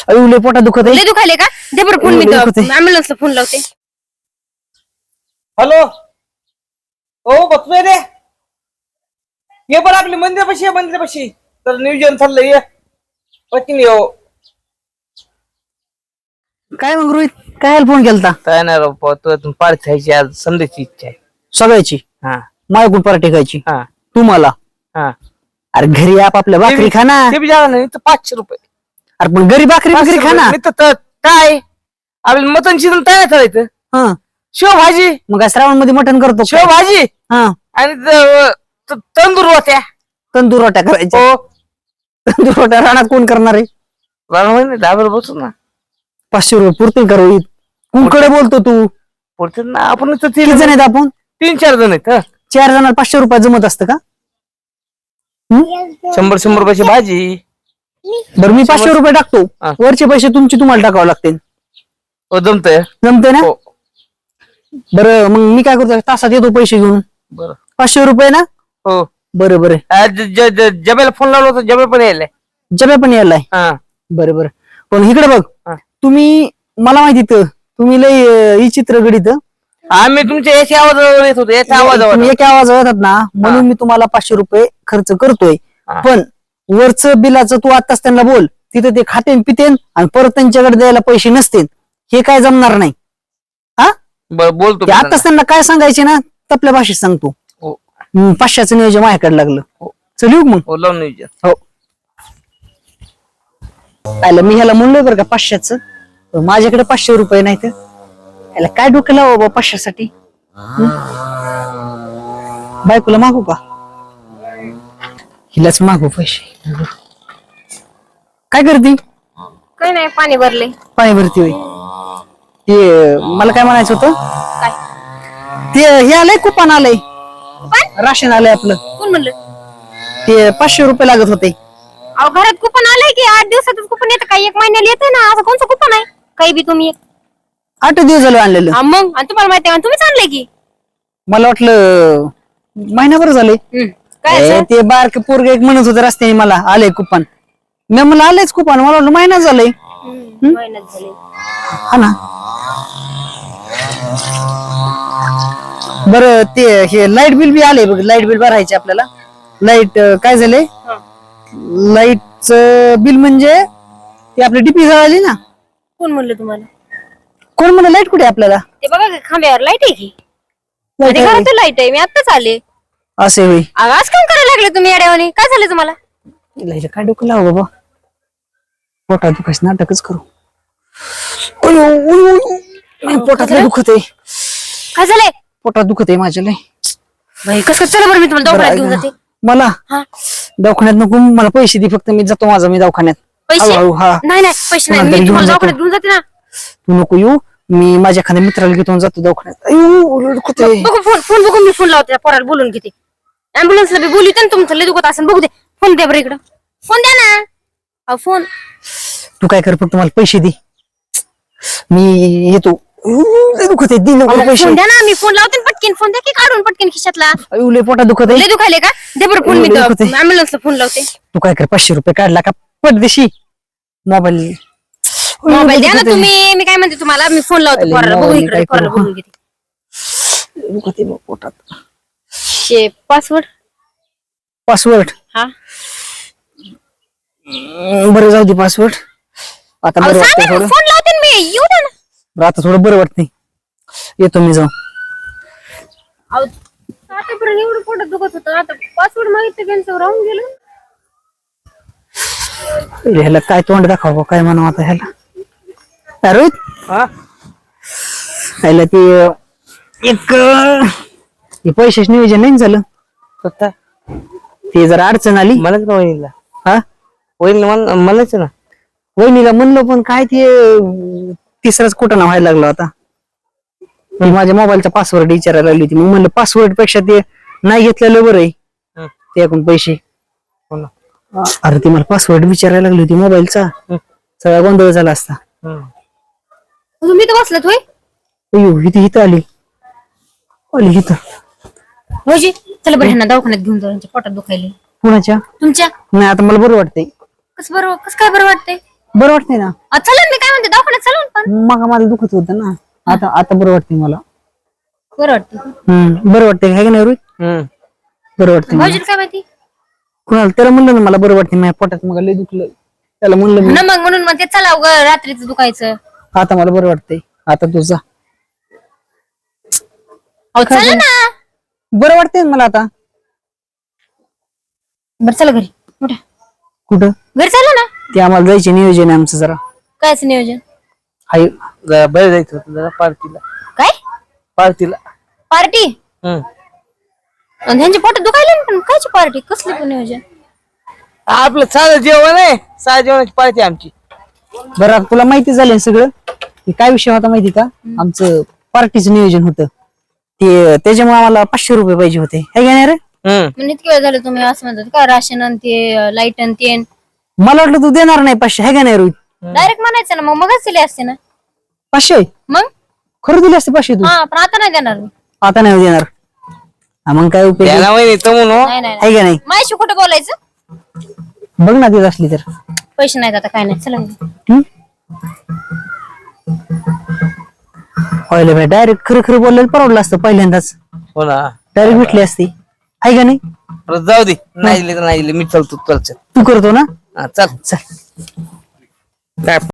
लय पोटात दुखत आहे. लय दुखायले का? दे बरं फोन, मी ॲम्ब्युलन्सला फोन लावते. हॅलो, हो बघतोय रे. ये बरं आपली मंदिरापाशी तर नियोजन चाललंय. ये पटकन ये. काय मग रोहित, काय फोन केलता? काय नाही राव, तू पार्टी खायची आज, संध्याची इच्छा आहे. सगळ्याची? हा माझ्याकडून पार्टी खायची? हा तुम्हाला? हा. अरे घरी आपल्या भाकरी खा ना. ते बी जागा नाही तर 500 रुपये. अरे पण घरी भाकरी खा ना. काय आपल्याला मटन शिजन तयार करायचं. हा, शेवभाजी. मग काय श्रावण मध्ये मटण करतो? शेवभाजी हा, आणि तंदूर होत्या. तंदूर रोट्या करायच्या? हो. तंदूर रोट्या रानात कोण करणार आहे? डाबर बसू ना. 500 रुपये पुरतील का रोहित? कुणकडे बोलतो तू? पुढचे ना आपण किती जण आहेत आपण? 3-4 जण आहेत. 4 जणांना 500 रुपये जमत असतं का? 100 रुपयाची भाजी. बरं मी 500 रुपये टाकतो. हा. वरचे पैसे तुम्हाला टाकावं लागतील. हो जमतंय. जमते ना? हो. बरं मग मी काय करतो, तासात येतो पैसे घेऊन. बरं. 500 रुपये ना? हो. बरं बरं. जब्याला फोन लावला होता, जब्या पण यायलाय. जब्या पण यायलाय? हा. बरं बरं. पण इकडे बघ, हा. तुम्ही मला माहिती तुम्ही लय ही चित्र गणित. आम्ही तुमच्या याच्या आवाजावर येत होतो. याच्या आवाजावर तुम्ही एका आवाजावर येतात ना, म्हणून मी तुम्हाला 500 रुपये खर्च करतोय. हा. पण वरचं बिलाचं तू आताच त्यांना बोल, तिथं ते खातेन पितेन आणि परत त्यांच्याकडे द्यायला पैसे नसतील, हे काय जमणार नाही. हा, बरं बोलतो. आताच त्यांना काय सांगायचे ना, आपल्या भाषेत सांगतो. 500चं नियोजन माझ्याकडे लागलं. चल येऊ मग. हो लावून नियोजन. हो. आलं मी ह्याला म्हणलोय बरं का 500चं, माझ्याकडे 500 रुपये नाही तर याला काय डोकं लावा बाबा 500साठी. बायकोला मागू का? हिलाच मागू पैसे. काय करते? काय नाही, पाणी भरले. पाणी भरती होय. ते मला काय म्हणायचं होतं, काय? ते हे आलंय, कुपन आलंय, राशन आलंय आपलं. कोण म्हणलं? ते 500 रुपये लागत होते. अहो घरात कुपन आलंय की 8 दिवसातच कुपन येतं, काही 1 महिन्याला येतं ना. असं कोणचं कुपन आहे? काही बी तुम्ही 8 दिवस झालं आणलेलं. मग आणि तुम्हाला माहिती आहे, तुम्हीच आणलंय की. मला वाटलं महिनाभर झाले. काय असं? ते बारक पोरग एक म्हणत होतं रस्त्याने, मला आलंय कुपन. मी मला आलंयच कुपन, मला वाटलं महिना झालंय. महिन्यात झाले. हा ना. बरं ते हे लाईट बिल बी आले बघ, लाईट बिल भरायचे आपल्याला. लाईट काय झालंय, लाईटचं बिल म्हणजे ते आपली डीपी जळाली ना. कोण म्हणलं तुम्हाला? कोण म्हणलं लाईट कुठे आपल्याला? ते बघा की खांब्यावर लाईट आहे की. लाईट आहे. घरात लाईट आहे, मी आत्ताच आले. असे होई. आज काम करायला लागले तुम्ही येड्यावानी? काय झालं तुम्हाला? लाईट काय डोकं लाव बाबा, पोटात दुखायचं नाटकच करू. पोटात लय दुखत आहे. काय झालंय? पोटात दुखत आहे माझ्या लय. बाई कसं, चला बरं मी तुम्हाला दवाखान्यात घेऊन जाते. मला हा. दवाखान्यात नको, मला पैसे दे फक्त, मी जातो मी दवाखान्यात. पैसे? हळूहळू. हा, नाही नाही पैसे नाही, मी तुम्हाला दवाखान्यात घेऊन जाते ना. तू नको येऊ, मी माझ्या एखाद्या मित्राला घेऊन जातो दवाखान्यात. बघू फोन बघू, मी फोन लावते त्या पोराला, बोलून घेते. ऍम्ब्युलन्सला बी बोलू ना, तुमचं लय दुखत असेल. बघू दे, फोन द्या बरं इकडं. फोन द्या ना. अहो फोन. तू काय कर, फक्त मला पैसे दे, मी येतो. दुखत आहे, दे लवकर पैसे. फोन द्या ना, मी फोन लावते ना पटकीन. फोन द्या की काढून पटकीन खिशातला. लय पोटात दुखत आहे. लय दुखायले का? दे बरं फोन, मी लय दुखत आहे. ऍम्ब्युलन्सला फोन लावते. तू काय कर, 500 रुपये काढला का पडदेशी मोबाईल. मोबाईल द्या ना तुम्ही, मी काय म्हणते तुम्हाला, मी फोन लावते पोराला. बघू इकडे, पोराला बोलून घेते. दुखत आहे पोटात. पासवर्ड. पासवर्ड? हा बरं जाऊ दे पासवर्ड. आता बरं वाटतंय थोडं. फोन लावते ना मी, येऊ द्या ना. बरं आता थोडं बरं वाटतंय, येतो मी जाऊ. आतापर्यंत एवढं पोटात दुखत होतं, आता पासवर्ड मागितलं त्यांचं राहून गेलं. ह्याला काय तोंड दाखवा, काय म्हणावं आता ह्याला. रोहित, ह्याला ते एक पैशाच नियोजन नाही झालं. ते जरा अडचण आली. मलाच ना वहिनीला. हा, वहिनीला मलाच ना. वहिनीला म्हणलं, पण काय ते तिसराच कुठं ना व्हायला लागलो आता. माझ्या मोबाईलचा पासवर्ड विचारायला लागली होती. मग म्हणलं पासवर्ड पेक्षा ते नाही घेतलेलं बरं आहे, ते एकूण पैसे. अरे ती मला पासवर्ड विचारायला लागली होती मोबाईलचा, सगळा गोंधळ झाला असता. तुम्ही तर बसलात होय? इथं आली इथं. होजी, चला बरं ह्यांना दवाखान्यात घेऊन जाऊ, पोटात दुखायले. कुणाच्या? तुमच्या? नाही आता मला बरं वाटतंय. कसं काय बरं वाटतंय? बरं वाटतंय ना. चला मी काय म्हणते दवाखान्यात चला पण मग मला दुखत होतं ना. आता आता बरं वाटतंय मला. बरं वाटतं. बरं वाटतंय काय नाही रोहित. बरं वाटतंय मला. भाऊजीला काय माहिती कुणाला त्याला म्हणलं ना मला बरं वाटतंय. माझ्या पोटात मग लय दुखलं. त्याला म्हणलं मी ना मग म्हणून मग ते चला रात्रीचं दुखायचं. आता मला बरं वाटतंय. आता तुझा चला ना. बरं वाटतंय मला आता. बरं चला घरी उठा. कुठं घरी चला ना. ते आम्हाला जायचे नियोजन आहे आमचं जरा. कायच नियोजन. हाय जरा बाहेर जायचं होतं जरा पार्टीला. काय पार्टीला. पार्टी आणि ह्यांच्या पोटात दुखायला पण कायची पार्टी कसली पण नियोजन. आपलं साधं जेवण आहे. साधं जेवणाची पार्टी आमची. बरं आता तुला माहिती झालं सगळं. ते काय विषय होता माहिती का. आमचं पार्टीचं नियोजन होतं ते. त्याच्यामुळे आम्हाला 500 रुपये पाहिजे होते. हे घेणार रे. म्हणजे इतके वेळ झालं तुम्ही असं म्हणतात का राशन आणि ते लाईट आणि ते मला वाटलं तू देणार नाही 500. हे घेणार रोहित. डायरेक्ट म्हणायचं ना मग मगच दिले असते ना. 500 मग खरं दिले असते 500 तू. हा पण आता नाही देणार मी. आता नाही देणार. मग काय उपयोग आहे? त्याला माहिती तो म्हणून नाही नाही आहे का नाही. माझ्याशी कुठं बोलायचं. बघ ना देत असली तर. पैसे नाहीत आता काय नाही चला पहिले भाई डायरेक्ट खरं खरं बोललेलं परवडलं असतं पहिल्यांदाच. हो ना. डायरेक्ट भेटली असती. आहे का नाही. परत जाऊ दे. नाही दिले तर नाही दिले. मी चलतो चल. तू करतो ना. चल. चल. काय